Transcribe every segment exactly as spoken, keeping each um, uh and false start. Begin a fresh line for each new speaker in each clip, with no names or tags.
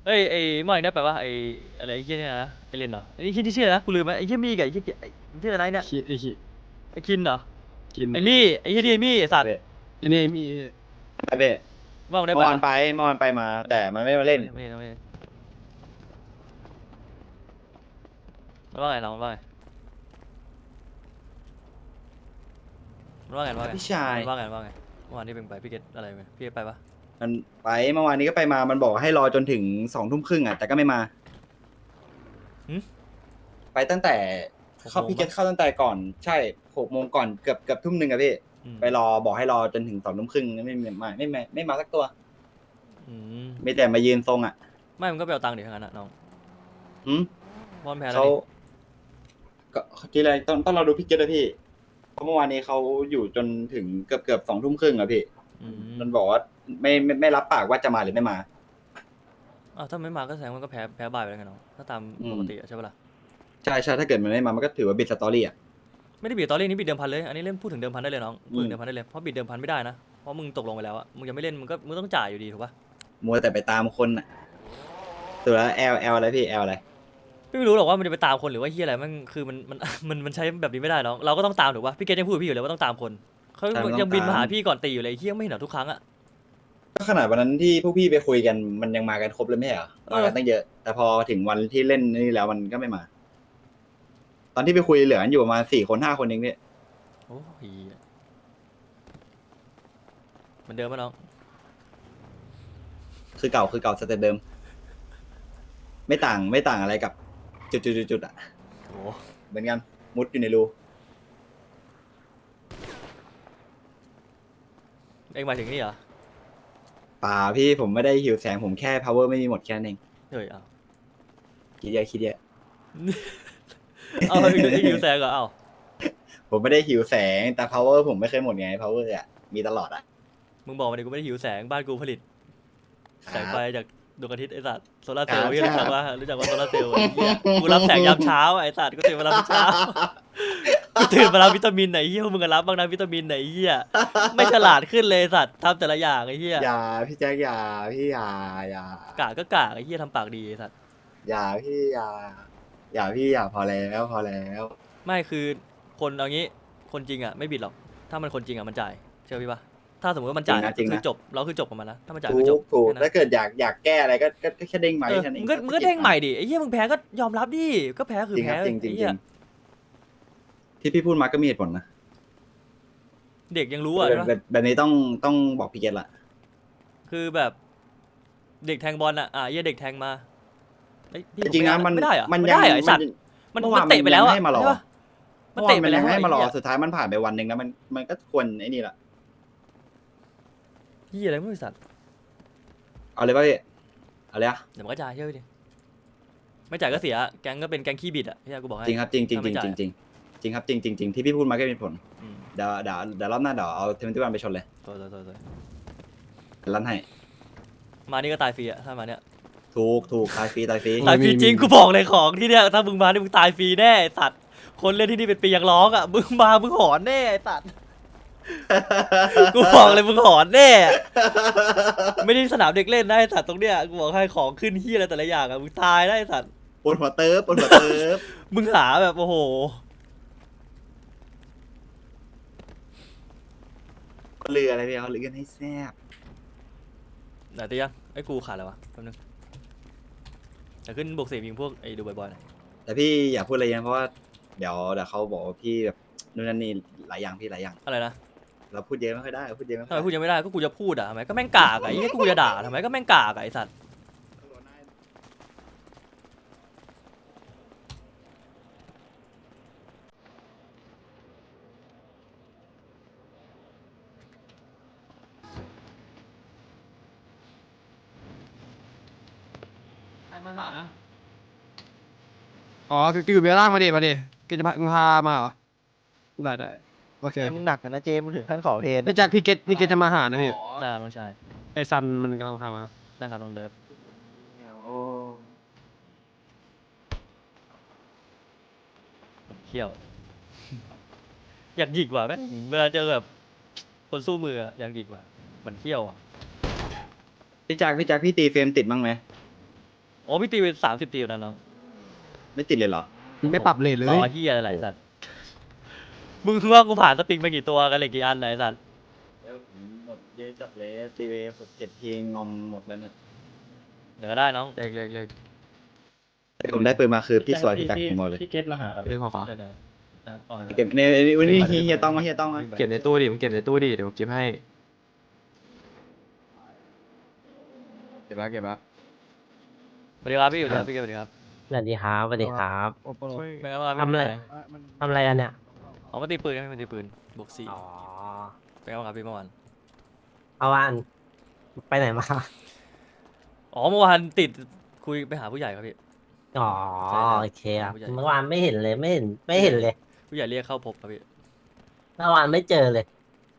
เอ้ยไอ้เมื่อวานได้ไปว่าไอ้อะไรไอ้เหี้ยเนี่ยนะไอ้เรนเหรอไอ้เหี้ยที่ชื่ออะไรนะกูลืมไปไอ้เหี้ยมี่กับไอ้เหี้ยไอ้ชื่ออะไรเนี่ย
คิดไอ้คิด
ไอ้คินเหรอ
กิน
ไอ้มี่ไอ้เหี้ยที่ไอ้มี่ไอ้สัตว์
เบ้
อันนี้มี
ไปเบ้
เมื่อวานได้ไปปะ
เมื่อวานไปเมื่อวานไปมาแต่มันไม่มาเล่น
ไม่ไม่ไม่มันว่าไงน้องมันว่าไงมันว่าไงมันว่าไง
พี่ชาย
มันว่าไงมันว่าไงเมื่อวานที่เป็นไปพี่เกตอะไรไหมพี่เกตไปปะ
มันไปเมื่อวานนี้ก็ไปมามันบอกให้รอจนถึงสองทุ่มครึ่งอ่ะแต่ก็ไม่มา
หึ
ไปตั้งแต่
หก
เข้า
โมง
พี่เกต
ปะ
เข้าตั้งแต่ก่อนใช่หกโมงก่อนเกือบเกือบทุ่มหนึ่งอะพี่
อืม
ไปรอบอกให้รอจนถึงสองทุ่มครึ่งไม่ไม่ไม่ไม่ไม่ไม่มาสักตัว
อืม
มีแต่มายืนทรงอ่ะ
ไม่มันก็ไปเอาตังค์ดิทั้งนั้นอะน้อง
หืม
เพราะมันแพ้แล้ว
เขา
นี่
ก็ทีไรต้องต้องเราดูพี่เกตนะพี่เพราะเมื่อวานนี้เขาอยู่จนถึงเกือบเกือบสองทุ่มครึ่งอะพี่
อืม
มันบอกว่าไม่ไม่ไม่รับปากว่าจะมาหรือไม่มา
อ้าวถ้าไม่มาก็แสดงว่ามันก็แพ้แพ้บายไปแล้วไงน้องถ้าตาม
อืม
ปกติอะใช่ปะล่ะ
ใช่ใช่ถ้าเกิดมันไม่มามันก็ถือว่าบิดสตอรี่อ่ะ
ไม่ได้บิดตอนเล่นนี้บิดเดิมพันเลยอันนี้เล่นพูดถึงเดิมพันได้เลยน้องพูดถึ
อื
ง
ม
เดิมพันได้เลยเพราะบิดเดิมพันไม่ได้นะเพราะมึงตกลงไปแล้วอะมึงยังไม่เล่นมึงก็มึงต้องจ่ายอยู่ดีถูกปะ
มัวแต่ไปตามคนอ่ะตัวแล้ว L L อะไรพี่ L อะไร
ไม่รู้หรอกว่ามันจะไปตามคนหรือว่าเฮียอะไรมันคือมันมัน มันมันใช้แบบนี้ไม่ได้น้องเราก็ต้องตามถูกปะพี่เกตยังพูดกับพี่อยู่เลยว่าต้องตามคนเขา
ใช่มันต้อง
ยังบินมาหา
ตาม
พี่ก่อนตีอยู่เลยเฮียไม่เห็นเหรอทุกครั้งอะ
ก็ขนาดวันนั้นที่พวกพี่ไปคุยกันมันยังมากันครบเลยไม่ใช่เหรอ
เออ
มากันตั้งเยอะ แต่พอถึงวันที่เล่นนี่แล้วมันก็ไม่มา ตอนที่ไปคุยเหลือกันอยู่ประมาณสี่คนห้าคนเองเนี่ย
โอ้ยเหมือนเดิมปะน้อง
คือเก่าคือเก่าสเต็ปเดิม ไม่ต่างไม่ต่างอะไรกับ จุดจุดจุดจุดอ่ะ
โอ้
เหมือนกันมุดอยู่ในรู
เอ็งหมายถึงนี่เหรอ
ป่าพี่ผมไม่ได้หิวแสงผมแค่ power ไม่มีหมดแค่นั้นเอง
เฮ้ยเอา
คิดเยอะคิดเยอะ
เอาเดี๋ยวที่ยิวแซงเหรอเอา
ผมไม่ได้หิวแสงแต่ power ผมไม่เคยหมดไง power อ่ะมีตลอดอ่ะ
มึงบอกมาดิกูไม่ได้หิวแสงบ้านกูผลิต แสงไฟจากดวงอาทิตย์ไอสัตว์โซลาร์เซลล์
ครับ
พี่รู้จักว่ารู้จักว่าโซลาร์เซลล์ไอ้เหี้ยกูรับแสงยามเช้าไอสัตว์กูตื่นมารับทุกเช้ากูตื่นมารับวิตามินไหนเหี้ยพวกมึงก็รับบ้างนะวิตามินไหนเหี้ยไม่ฉลาดขึ้นเลยไอ้สัตว์ทำแต่ละอย่างไอ้เหี้ย
อย่าพี่แจ๊คอย่าพี่อย่าอย่าก
ะก็กะไอ้เหี้ยทำปากดีไอ้สัตว์
อย่าพี่อย่าอย่าพี่อย่าพอแล้วพอแล้ว
ไม่คือคนเอางี้คนจริงอ่ะไม่บิดหรอกถ้ามันคนจริงอ่ะมันจ่ายเชื่อพี่ปะถ้าสมมติว่ามันจ่ายอะคือจบเราคือจบกับมันนะถ้ามันจ่าย
ถู
คือจ
ก
บ
ถูก
แค่นั้น
ถ้าเกิดอยากอยากแก้อะไรก็ก็ก็แค่เด้งมา
เออ
แค่นั้นเอ
มึ
ง
งก็มึงก็เด้งใหม่ดิไอ้เหี้ยมึงแพ้ก็ยอมรับดิก็แพ้คือ
จริงค
แพ้
รับจริงจริง
ไอ้
จ
เหี้
ริ
ย
งที่พี่พูดมาก็มีเหตุผลนะ
เด็กยังรู้อ่ะ
แบบ
ใช่ปะ
แบบแบบนี้ต้องต้องบอกพี่เกตละ
คือแบบเด็กแทงบอลอ่ะอ่ะเหี้ยเด็กแทงมาเอ้ยพี่
จริงๆนะ
ผ
มัน
ไม่ได้เหรอ
มัน
ไม่
ยัง
ได้เหรอไอ้สัตว์
มัน
มัน
เมื่อวาน
มันเตะไปแล้วอ่ะ
มันยังให้มารอ
ใช่ปะมัน
เมื่อวา
เตะ
น
ไป
มัน
แล้
ยั
ว
งให้มารอ
ไอ้เหี้ย
สุดท้ายมันผ่านไปวันหนึ่งแล้วมันมันก็ควรไอ้นี่ละ
เหี้ยอะไรไม่รู้ไอ้สัตว์
เอาเลยป่ะพี่เอาเลยอะ
เดี๋ยวมันก็จ่ายเชื่อดิไม่จ่ายก็เสียแก๊งก็เป็นแก๊งขี้บิดอ่ะที่กูบอกให้
จริงครับจริงจริง
ถ้า
จ
ไม่
ริง
จ่าย
จริงจริงจริงครับจริงจริงจริงที่พี่พูดมาก็มีผล
อืม
เดี๋ยวเดี๋ยวเดี๋ยวรอบหน้าเดี๋ยวเอาเทมเปอร์วันไปชนเลย
ตัวตัวตัวตัว
ลั่นให้
มานี่ก็ตายฟรีอ่ะถ้ามาเนี้ย
ถูกถูกตายฟรีตายฟรี
ตายฟรีจริงกูบอกเลยของที่เนี้ยถ้ามึงมานี่มึงตายฟรีแน่ไอ้สัตว์คนเล่นที่นี่เป็นปียังร้องอ่ะมึงมามึงหอนแน่ไอ้สัตว์กูบอกเลยมึงหอนแน่ไม่ได้สนามเด็กเล่นนะไอ้สัตว์ตรงเนี้ยกูบอกให้ของขึ้นเฮียอะไรแต่ละอย่างอ่ะมึงตายได้ไอ้สัตว์
ปวดหัวเติร์ฟปวดหัวเติร์ฟ
มึงหาแบบโอ้โห
เรืออะไรพี่เขาเรือกันให้แซ่บ
ไหนตียังไอ้กูขาดแล้ววะแป๊บนึงแต่ขึ้นบวกสี่ยิงพวกไอ้ดูบ่อยๆหน่อย
แต่พี่อย่าพูดอะไรเยอะเพราะว่าเดี๋ยวเดี๋ยวเขาบอกว่าพี่แบบนู่นนั่นนี่หลายอย่างพี่หลายอย่าง
อะไรนะ
เราพูดเยอะไม่ค่อยได้เราพูดเยอะไม่
ทำ
ค่อย
ไม
ได้
พูดยังไม่ได้ก็กูจะพูดอ่ะทำไมก็แม่งกากอ่ะไอ้เหี้ยกูจะด่าทำไมก็แม่งกากอ่ะไอ้สัตว์
อ๋อคือคืออยู่เบลล่างมาดิมาดิกินจะพามึงพามาเหรอได้ได้โอเค
มึงหนักกันนะเจมมึงถึงขั้นขอเพลง
ไม่จากพี่เกตพี่เกตจะมาหานะพี่
น่าน้องชาย
ไอซันมันกำลังพามา
ได้ครับน้องเลิฟ
โอ้
เขี้ยว อยากหยิกว่ะแม่งเวลาเจอแบบคนสู้มืออะอยากหยิกว่ะเหมือนเขี้ยวอ่ะ
พี่แจ็คพี่แจ็คพี่ตีเฟรมติดบ้างไหม
อ้พี่ตีไปสามสิบตีอยู่นะน้อง
ไม่ติดเลยเหรอ
ไม่ปรับเลทเลย
ต่อเฮียอะไรสัตว์มึงคือว่ากูผ่านสปริงไปกี่ตัวกันเลยกี่อันไหนสัตว์
แล้วผมหมดเยอะจัดเลยทีวีผมเจ็ดทีงอมหมดแล้วเนี่ย
เดี๋ยวได้น้อง
เล็กเล็กเล็ก
แต่ผมได้ปืนมาคือพี่สวยพี่จักรผมหมดเลย
พี่เกตรหัส
เรื่องขอขอ
ได้ได้ได้อ๋อ
เก็บในวันนี้เฮียต้องเฮียต้อง
เก็บในตู้ดิผมเก็บในตู้ดิเดี๋ยวผมเก็บให้เก็บแล้วเก็บแล้ว
สวัสดีครับพี่อยู่ดีครับพี่เกศสวัสดีครับ
สวัสดีครับสวัสดีครับ
โอโปโล
เป็นไงบ้าง
ทำอะไร ทำอะไรกันเนี่ย
อ๋อมาตีปืนกันมาตีปืนบวกสี่
อ๋อ
เป็นไงบ้างครับพี่เมื่อวาน
เอาวันไปไหนมา
อ๋อเมื่อวานติดคุยไปหาผู้ใหญ่ครับพี่
อ๋อ
ใช่ครับ
โอเคครับ
ผู้ใหญ่
เมื่อวานไม่เห็นเลยไม่เห็นไม่เห็นเลย
ผู้ใหญ่เรียกเข้าพบครับพี่
เมื่อวานไม่เจอเลย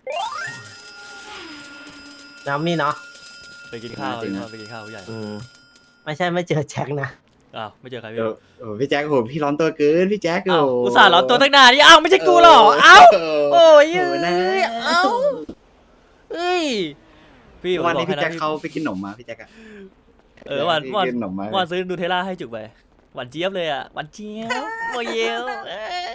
น้ำมี่เนาะ
ไปกินข้าวครับพี่เมื่อวานไปกินข้าวผู้ใหญ่
อืมไม่ใช่ไม่เจอแจ็คนะ
อ้าวไม่เจอใคร
เอ
พี่
อโอ้พี่แจ็คโหพี่ร้อนตัวเกินพี่แจ็ค
อ้าวอุตส่าห์เหรอตัวตั้งนานนี่อ้าวไม่ใช่กูหรอเอ้าโอ้ย
โอ้นะ
เอ้าเอ้ยพี่ผม
วัน
บอ
นี้
ก
พี่
ให้
แจ็ค
นะ
เขาไปกินขนมมาพี่แจ็คอะ
เออวัน
พี่
วัน
กินขนมมา
วันซื้อนูเทลล่าให้จุกไปหวานเจี๊ยบเลยอ่ะหวานเจี๊ยบโมเยลเอ้ย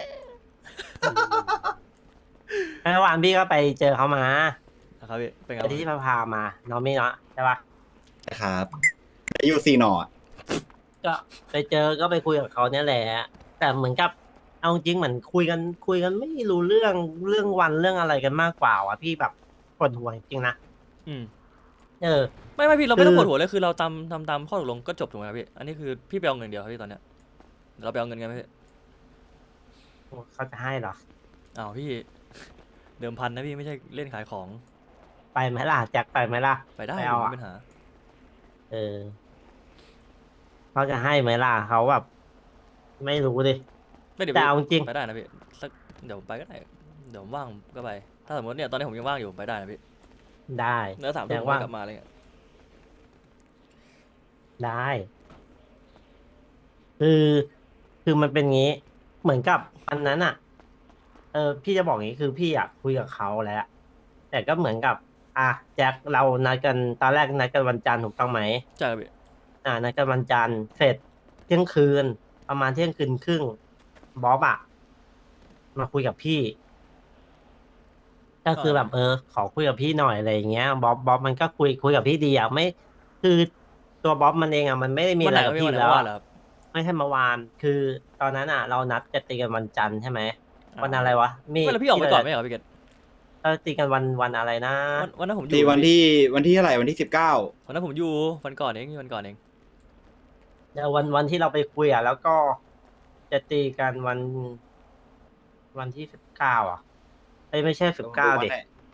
เมื่อวานพี่ก็ไปเจอเขามา
นะครับพี่เป็นไง
ไป
บ้าง
ที่พาพามาน้องมี่เนาะใช่ปะ
ครับอายุซีหนออะ
ก็ไปเจอก็ไปคุยกับเขาเนี่ยแหละแต่เหมือนกับเอาจริงเหมือนคุยกันคุยกันไม่รู้เรื่องเรื่องวันเรื่องอะไรกันมากกว่าว่ะพี่แบบปวดหัวจริงๆนะ
อืม
เออ
ไม่ไม่พี่เราไม่ต้อง
คือ
ปวดหัวเลยคือเราตามทำตามข้อตกลงก็จบถูกไหมครับพี่อันนี้คือพี่ไปเอาเงินเดียวครับพี่ตอนเนี้ยเดี๋ยวเราไปเอาเงินกันไหมพี่
เขาจะให้เหรอ
อ้าวพี่เดิมพันนะพี่ไม่ใช่เล่นขายของ
ไปไหมล่ะแจ็คไปไหมล่ะ
ไปได้
ไม่
ไม่
เอาอะ
มีปัญหา
เออเขาจะให้ไหมล่ะเขาแบบ ไม่รู้ดิ
ไม่เดี๋ยว
แต่
พี่
เอาจริง
ไปได้นะพี่สักเดี๋ยวผมไปก็ได้เดี๋ยวผมว่างก็ไป ถ้าสมมติเนี่ยตอนนี้ผมยังว่างอยู่ผมไปได้นะพี่
ได้
เนื้อสาม
แจ็
ทุ่
ค
มผม
ว่า
ก็กลับมาอะไรเงี้ย
ได้ คือคือมันเป็นงี้ เหมือนกับอันนั้นอ่ะ เออ พี่จะบอกงี้คือพี่อ่ะคุยกับเขาแล้ว แต่ก็เหมือนกับ อ่ะแจ็คเรานัดกันตอนแรกนัดกันวันจันทร์ถูกต้องไหม
ใช่ครับพี่
อ่านัดกันวันจันทร์เสร็จเที่ยงคืน ประมาณเที่ยงคืนครึ่งบ๊อบอะมาคุยกับพี่ ก็คือแบบเออ ขอคุยกับพี่หน่อยอะไรอย่างเงี้ยบ๊อบบ๊อบมันก็คุยคุยกับพี่ดีอะไม่คือตัวบ๊อบมันเองอะมันไม่ได้มี
วั
อะ
น
ไร
ไหน
กับ
พี่
พี่
วันไหน
แล้ว
วัน
อะ
เหรอครับ
ไม่ใช่เมื่อวาน คือตอนนั้นอะเรานัดจะตีกันวันจันทร์ใช่ไหมวันอะไรวะมี
ไม่แล้วพี่ออกไปก่อนไหมเหรอพี่เกศ
เราตีกันวันวันอะไรนะ
วันวันนั้นผมอ
ตี
ยู่
วันที่วันที่เท่าไหร่วันที่สิบเก้า
วันนั้นผมอยู่วันก่อนเองวันก่อนเอง
เดี๋ยววันวันที่เราไปคุยอะแล้วก็จะตีกันวันวันที่สิบเก้าอ่ะเอ้ยไม่ใช่สิบเก้าเด็ก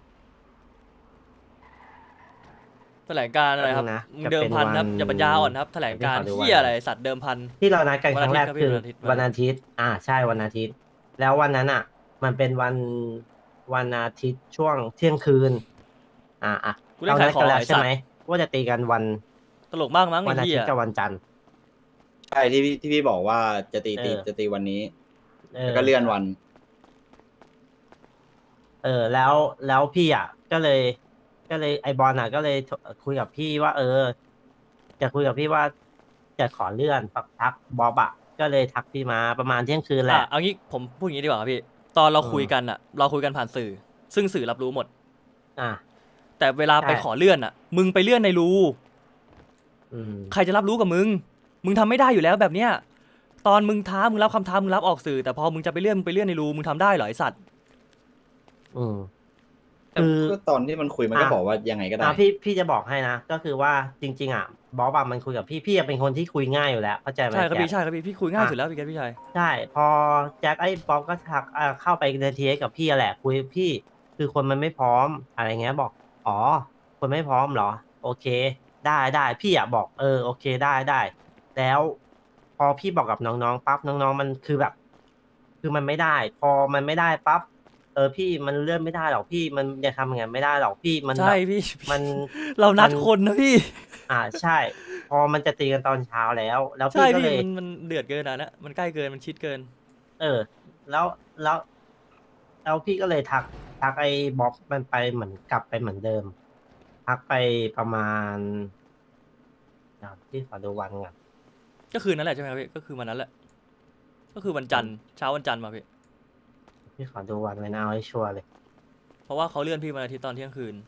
แถลงการอะไรครับ
นะ
มึงเดิมพันครับ
จะเป็นวัน
อย่าปัญญาอ่อนครับแถลงการ
เดี๋ยวขอดู
เฮียอะไรสัตว์เดิมพัน
ที่เรานัดกันครั้งแรก
วันอาทิตย์ครับ
คือ
พี่วั
วัน
น
อา
อาทิ
ทิต
ตย์
ย์ อ่าใช่วันอาทิตย์ แล้ววันนั้นอ่ะ มันเป็นวันวันอาทิตย์ช่วงเที่ยงคืน อ่าอ่ะ
กูเล่น
เรา
ขา
นั
ย
ด
ขอ
กั
ง
นแล้ว
ไอ้
ใช่
สัต
ไหม
ว์
ว่าจะตีกันวัน
ตลกมากมั้ง
วัน
ไอ้
อา
เฮี
ทิต
ย
ย์กับวันจันทร์
ใช่ที่พี่ที่พี่บอกว่าจะตีตี
เออ
จะตีวันนี้
เอ
แล้ว
อ
ก็เลื่อนวัน
เออแล้วแล้วพี่อ่ะก็เลย ก็เลยไอบอลอ่ะ ก็เลยคุยกับพี่ว่า เออ จะคุยกับพี่ว่าจะขอเลื่อนปักทักบ๊อบอ่ะก็เลยทักพี่มาประมาณเที่ยงคืนแห
อ่ะ
ละ
เอางี้ผมพูดอย่างนี้ดีกว่าครับพี่ ตอนเรา
อืม
คุยกันอ่ะ เราคุยกันผ่านสื่อ ซึ่งสื่อรับรู้หมด
อ่ะ
แต่เวลาไป
ใช่
ขอเลื่อนอ่ะ มึงไปเลื่อนในรู
อืม
ใครจะรับรู้กับมึง มึงทำไม่ได้อยู่แล้วแบบเนี้ย ตอนมึงท้ามึงรับคำท้ามึงรับออกสื่อ แต่พอมึงจะไปเลื่อนมึงไปเลื่อนในรูมึงทำได้เหรอไอสัตว์
อืม
แต่
คือ
ก็ตอนที่มันคุยมันก็
อ่ะ
บอกว่ายังไงก็ได้
อ่ะพี่พี่จะบอกให้นะ ก็คือว่าจริง ๆ อ่ะบ๊อบอะมันคุยกับพี่พี่อะเป็นคนที่คุยง่ายอยู่แล้วเข้าใจไหม
ใช่ครับ
แจ็
พี่
ค
ใช่ครับพี่พี่คุยง่ายสุดแล้วพี่แกพี่ชาย
ใช่ พอแจ็คไอ้บ๊อบก็ทักอ่ะเข้าไปในทีกับพี่อะแหละ คุยกับพี่ คือคนมันไม่พร้อมอะไรเงี้ยบอก อ๋อ คนไม่พร้อมเหรอ โอเค ได้ได้พี่อ่ะบอกเออโอเคได้ได้ แล้วพอพี่บอกกับน้องๆปั๊บน้องๆมันคือแบบ คือมันไม่ได้ พอมันไม่ได้ปั๊บเออพี่มันเลื่อนไม่ได้หรอกพี่มันจะทำยังไงไม่ได้หรอกพี่มัน
ใช่
แบบ
พี่
มัน
เรานัด
มัน
คนนะพี่
อ่าใช่ พอมันจะตีกันตอนเช้าแล้ว แล้ว
ใช่
พี่ก็
พี่
เลย
มันมันเดือดเกินอ่ะนะมันใกล้เกินมันชิดเกิน
เออ แล้วแล้วแล้วพี่ก็เลยทักทักไอ้บ๊อบมันไปเหมือนกลับไปเหมือนเดิม ทักไปประมาณเดี๋ยวพี่ขอดูวันก่อน
ก็คืนนั้นแหละใช่ไหมครับพี่ก็คือวันนั้นแหละก็คือวันจันทร์เช้าวันจันทร์มาพี่
พี่ขอดูวันไว้นะเอาให้ชัวร์เลย
เพราะว่าเขาเลื่อนพี่วันอาทิตย์ตอนเที่ยงคืน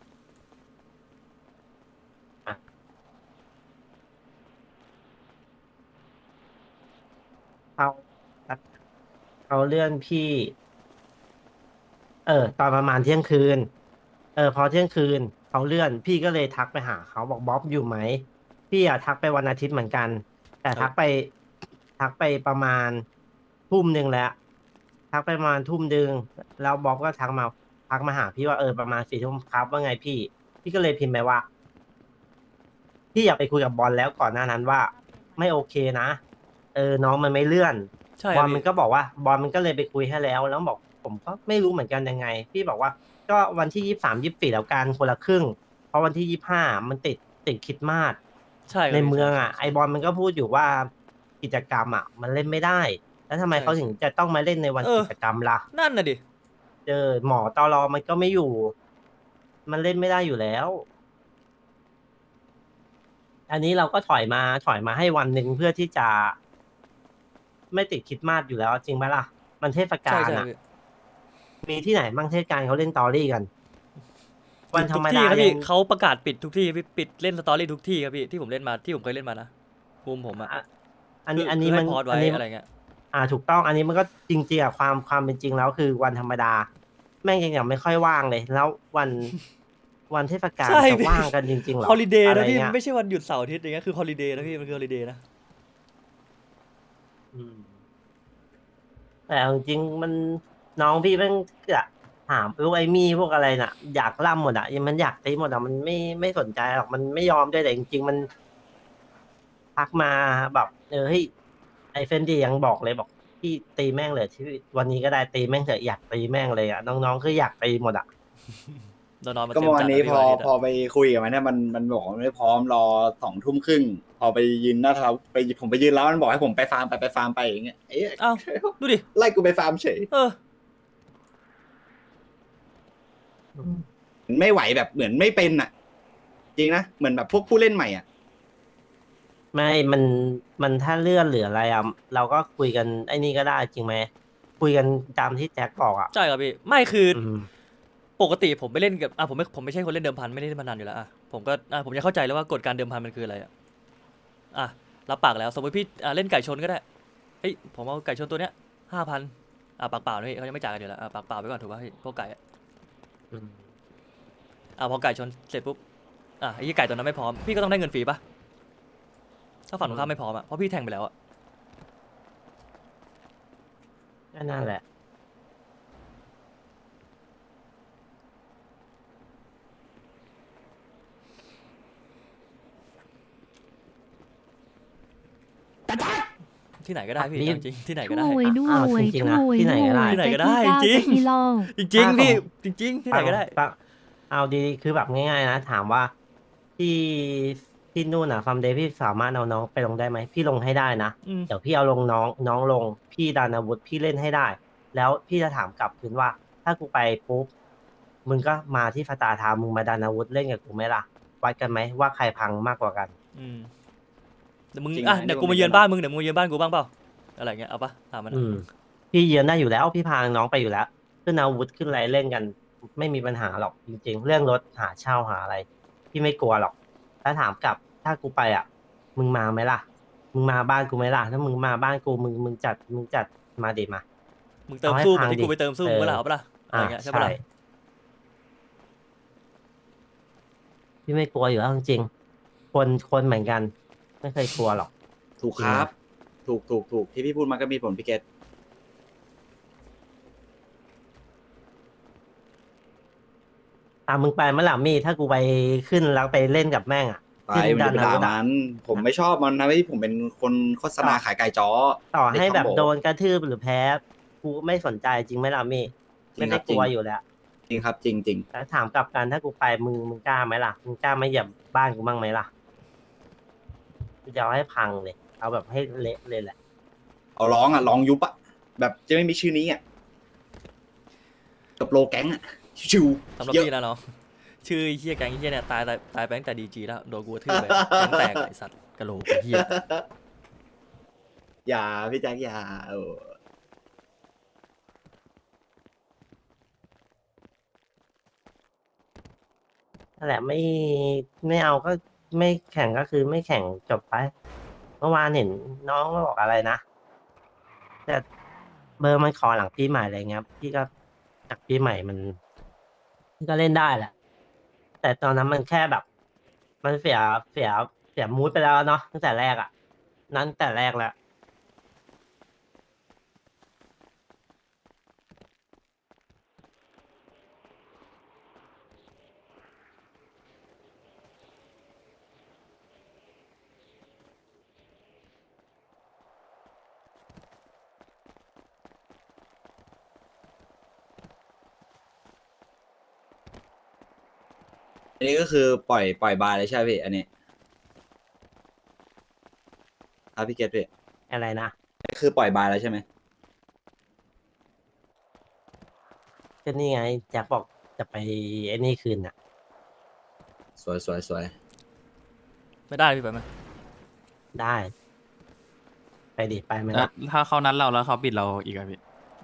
เขาเขาเลื่อนพี่ เออ ตอนประมาณเที่ยงคืน เออ พอเที่ยงคืนเขาเลื่อน พี่ก็เลยทักไปหาเขาบอกบ๊อบอยู่ไหม พี่อะทักไปวันอาทิตย์เหมือนกัน แต่ทักไป ทักไปประมาณทุ่มหนึ่งแล้ว ทักไปประมาณทุ่มหนึ่งแล้วบ๊อบก็ทักมาทักมาหาพี่ว่าเออประมาณสี่ทุ่มครับว่าไงพี่ พี่ก็เลยพิมพ์ไปว่า พี่อยากไปคุยกับบอลแล้วก่อนหน้านั้นว่า ไม่โอเคนะ เออ น้องมันไม่เลื่อน
ใช่
บ
ค
อ
รั
ล
บ
มัน
พี่
ก็บอกว่าบอลมันก็เลยไปคุยให้แล้ว แล้วบอกผมก็ไม่รู้เหมือนกันยังไง พี่บอกว่าก็วันที่ยี่สามยี่สี่แล้วกันคนละครึ่ง เพราะวันที่ยี่ห้ามันติดติดคริดมาส
ใช่ครับ
ใน
พี่
เมือง
ใช่
อ่ะ
ใช่
ไอบอลมันก็พูดอยู่ว่ากิจกรรมอ่ะ มันเล่นไม่ได้ แล้วทำไม
ใช่
เขาถึงจะต้องมาเล่นในวัน
เออ
กิจกรรมล่ะ
นั่นน่ะดิ
เจอหมอตอรอมันก็ไม่อยู่ มันเล่นไม่ได้อยู่แล้ว อันนี้เราก็ถอยมาถอยมาให้วันหนึ่งเพื่อที่จะ ไม่ติดคริดมาสอยู่แล้วจริงไหมล่ะ มันเทศกา
ใช่
ล
ใช่
อ่ะ
พี่
มีที่ไหนบ้างเทศกาลเขาเล่นตอรี่กัน วันธร
ทุก
รม
ที่
ดา
ครับ
ยั
พี่
ง
เขาประกาศปิดทุกที่พี่ปิดเล่นสตอรี่ทุกที่ครับพี่ที่ผมเล่นมาที่ผมเคยเล่นมานะมุมผมอะ
อ่ะอันนี้
คื
อันนี้
คื
มัน
ให้พอดไว้
อันนี้
อะไรเงี้ย
อ่าถูกต้อง อันนี้มันก็จริงๆอะความความเป็นจริงแล้วคือวันธรรมดา แม่งยังยังไม่ค่อยว่างเลย แล้ววัน วันเทศกาล
ใช่
จะ
พี่
ว่างกันจริงๆเหรอ
ฮอลิเดย์
อะไร
นะพี่
เงี้
มัน
ย
ไม่ใช่วันหยุดเสาร์อาทิตย์อย่างเงี้ยคือฮอลิเดย์นะพี่มันคือฮอลิเดย์นะ
อืมแต่เอาจริงๆมันน้องพี่แม่งจะถามพวกไอ้มี่พวกอะไรน่ะ อยากล่ำหมดอะยังมันอยากตีหมดอะมันไม่ไม่สนใจหรอกมันไม่ยอมด้วยแต่จริงๆมันทักมาแบบเออเฮ้ยไอ้เฟนดี้ยังบอกเลยบอกพี่ตีแม่งเลยที่วันนี้ก็ได้ตีแม่งเถอะอยากตีแม่งเลยอะน้องๆคืออยากตีหมดอะ
นอนนอนมา
ก็
เต็
เมื่
ม
อวา
จั
น
ด
นี้
อะ
พ
พี่
อ
วันอาทิตย์
พอ
อะ
ไปคุยกับมันเนี่ยมันมันบอกมันไม่พร้อมรอสองทุ่มครึ่งพอไปยืนหน้าเท้าไปผมไปยืนแล้วมันบอกให้ผมไปฟาร์มไปไปฟาร์มไปอย่างเงี้ยเอ๊ะ
อ้าวดูดิ
ไล่กูไปฟาร์มเฉย
เออ
ไม่ไหวแบบเหมือนไม่เป็นอ่ะ จริงนะเหมือนแบบพวกผู้เล่นใหม่อ่ะ
ไม่ มัน มันถ้าเลื่อนหรืออะไรอ่ะ เราก็คุยกันไอ้นี่ก็ได้จริงไหม คุยกันตามที่แจ็คบอกอ่ะ
ใช่ครับพี่ไม่คืออ
อืม
ปกติผมไปเล่นกับอ่ะผมไม่ผมไม่ใช่คนเล่นเดิมพันไม่ได้เล่นพนันอยู่แล้วอ่ะผมก็อ่ะผมจะเข้าใจแล้วว่ากฎการเดิมพันมันคืออะไรอ่ะอ่ะรับปากแล้วสมมติพี่อ่ะเล่นไก่ชนก็ได้เฮ้ยผมเอาไก่ชนตัวเนี้ยห้าพันอ่ะปากเปล่านะพี่เขายังไม่จ่ายกันอยู่แล้วอ่ะปากเปล่าไปก่อนถูกป่ะพี่พวกไก่อ่ะ
อืม
อ่ะพอไก่ชนเสร็จปุ๊บอ่ะไอ้ยี่ไก่ตัวนั้นไม่พร้อมพี่ก็ต้องได้เงินฟรีป่ะถ้าฝั่งตรงข้ามไม่พร้อมอ่ะเพราะพี่แทงไปแล้วอ่ะ
ก็นั่นแหละ
ที่ไหนก็ได้พี่
รีบ
เอาจริงๆที่ไหนก็ได้
ช่วยด้ว
อ้าวย จริงๆนะ
ช่วย
ที่ไหนก็ได้
ด้วย
ที่ไหนก็ได้
แต่ที่
จริง
เก้าจะกิโล
จริงๆพี่
อ่ะ
จริง ๆ ที่ไหนก็ได้
ฟังเอาดีๆ คือแบบง่ายๆนะ ถามว่าที่ที่นู่นอ่ะฟาร์มเดย์พี่สามารถเอาน้องไปลงได้ไหม พี่ลงให้ได้นะ
อืม
เดี๋ยวพี่เอาลงน้องน้องลง พี่ดานาวุฒิพี่เล่นให้ได้ แล้วพี่จะถามกลับคืนว่า ถ้ากูไปปุ๊บ มึงก็มาที่ฟาตาทามมึงมาดานาวุฒิเล่นกับกูไหมล่ะ วัดกันไหมว่าใครพังมากกว่ากัน
อืมเดี๋ยวมึง
จริง
อ่ะ
นะ
เดี๋ยว
นี่
กู
ผม
มาเยือน
เห็น
บ้านมึงเดี๋ยวมึงมาเยือนบ้านกูบ้างเปล่าอะไรเงี้ยเอาปะถามมัน
อืม พี่เยือนได้อยู่แล้ว พี่พาน้องไปอยู่แล้ว ขึ้นอาวุธขึ้นอะไรเล่นกัน ไม่มีปัญหาหรอกจริง ๆ เรื่องรถหาเช่าหาอะไร พี่ไม่กลัวหรอก ถ้าถามกลับ ถ้ากูไปอ่ะ มึงมาไหมล่ะ มึงมาบ้านกูไหมล่ะ ถ้ามึงมาบ้านกู มึงมึงจัด มึงจัดมาดิมา
มึงเติม
เอาให้
สู้เหมือน
พัง
ที่กู
ดิ
ไปเติมสู้
เออ
มึงก็ล่ะเอาปะล่ะอะไร
อ่า
เงี้ยใช่
ใช่
ปะล่ะ
พี่ไม่กลัวอยู่แล้วจริงๆคนคนเหมือนกัน ไม่เคยกลัวหรอก
ถูกครับ ถูกถูกถูกที่พี่พูดมาก็มีผลพี่เกต
อ่ะมึงไปเมื่อไหร่มี่ถ้ากูไปขึ้นแล้วไปเล่นกับแม่งอ่ะ
ไป
ที่
มันจะไป
ดั
ด่า
วุฒิอะ
มันผมไม่ชอบมันนะที่ผมเป็นคนโฆษณาขายไก่จ้อ
ต่อให้แบบ
เด็กคอมโบ
โดนกระทืบหรือแพ้ กูไม่สนใจจริงไหมล่ะมี่
จริ
ไม่
งครั
ได้
บ
กลัว
จริง
อยู่แล้ว
จริงครับจริงจริง
แต่ถามกลับกันถ้ากูไปมึงมึงกล้าไหมล่ะ มึงกล้าไม่เหยียบบ้านกูบ้างไหมล่ะกูจะเอาให้พังเลย เอาแบบให้เละเลยแหละ
เอาร้องอ่ะร้องยุบอ่ะแบบจะไม่มีชื่อนี้อ่ะกับโลแก๊งอ่ะชิว
สำหรับ
เยอะ
พี่นะน้องชื่อไอ้เฮียแก๊งไอ้เฮียเนี่ยตายตายตายไปตั้งแต่ดีจีแล้วโดนกูกระทืบไปแก๊งแตกไอสัตว์กะโหลกไอ้เฮีย
อย่าพี่แจ็คอย่าโอ้
นั่นแหละไม่ไม่เอาก็ไม่แข่งก็คือไม่แข่งจบไปเมื่อวานเห็นน้องบอกอะไรนะแต่เบอร์มันขอหลังปีใหม่อะไรเงี้ยพี่ก็จากปีใหม่มันพี่ก็เล่นได้แหละแต่ตอนนั้นมันแค่แบบ มันเสียเสียเสียมูดไปแล้วเนาะตั้งแต่แรกอ่ะนั้นแต่แรกแล้ว
อันนี้ก็คือปล่อยปล่อยบาร์เลยใช่ไหมพี่อันนี้ครับพี่เกตพี่
อะไรนะ
ก็คือปล่อยบาร์แล้วใช่ไหม
ก็นี่ไงแจ็คบอกจะไปไอ้นี่คืนอ่ะ
สวยสวยสวย
ไม่ได้พี่ไปไหม
ได้ ไปดิไปไหม
แล้ว
ล่ะ
ถ้าเขานัดเราแล้วเขาปิดเราอีกอะพี่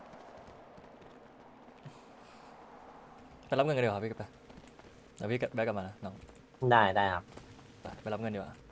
ไปรับเงินกันดีกว่าพี่ไปเดี๋ยวพี่แบกกลับมานะน้อง
ได้ได้ครับ
ไปไปรับเงินดีกว่า